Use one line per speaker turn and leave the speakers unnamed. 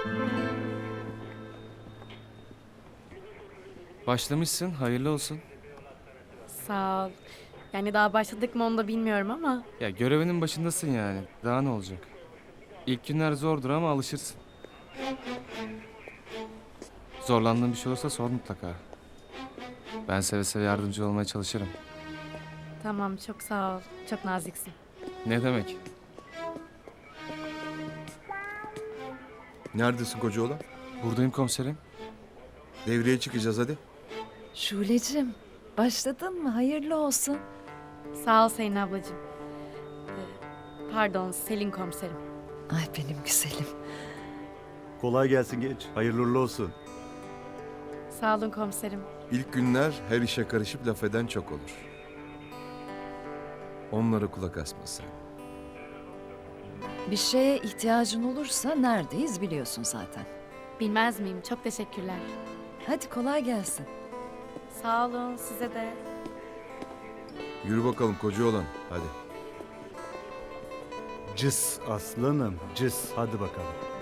Başlamışsın, hayırlı olsun.
Sağ ol. Yani daha başladık mı onu da bilmiyorum ama
Ya görevinin başındasın yani. Daha ne olacak? İlk günler zordur ama alışırsın. Zorlandığın bir şey olursa sor mutlaka. Ben seve seve yardımcı olmaya çalışırım.
tamam çok sağ ol. Çok naziksin.
Ne demek?
Neredesin kocaoğlan?
Buradayım komiserim.
Devreye çıkacağız hadi.
Şule'cim, başladın mı? Hayırlı olsun.
Sağ ol Selin ablacığım. Pardon Selin komiserim.
Ay benim güzelim.
Kolay gelsin genç. Hayırlı uğurlu olsun.
Sağ olun komiserim.
İlk günler her işe karışıp laf eden çok olur. Onlara kulak asma sen.
Bir şeye ihtiyacın olursa neredeyiz biliyorsun zaten.
Bilmez miyim? Çok teşekkürler.
Hadi kolay gelsin.
Sağ olun size de.
Yürü bakalım kocaoğlan hadi.
Cız aslanım, cız. Hadi bakalım.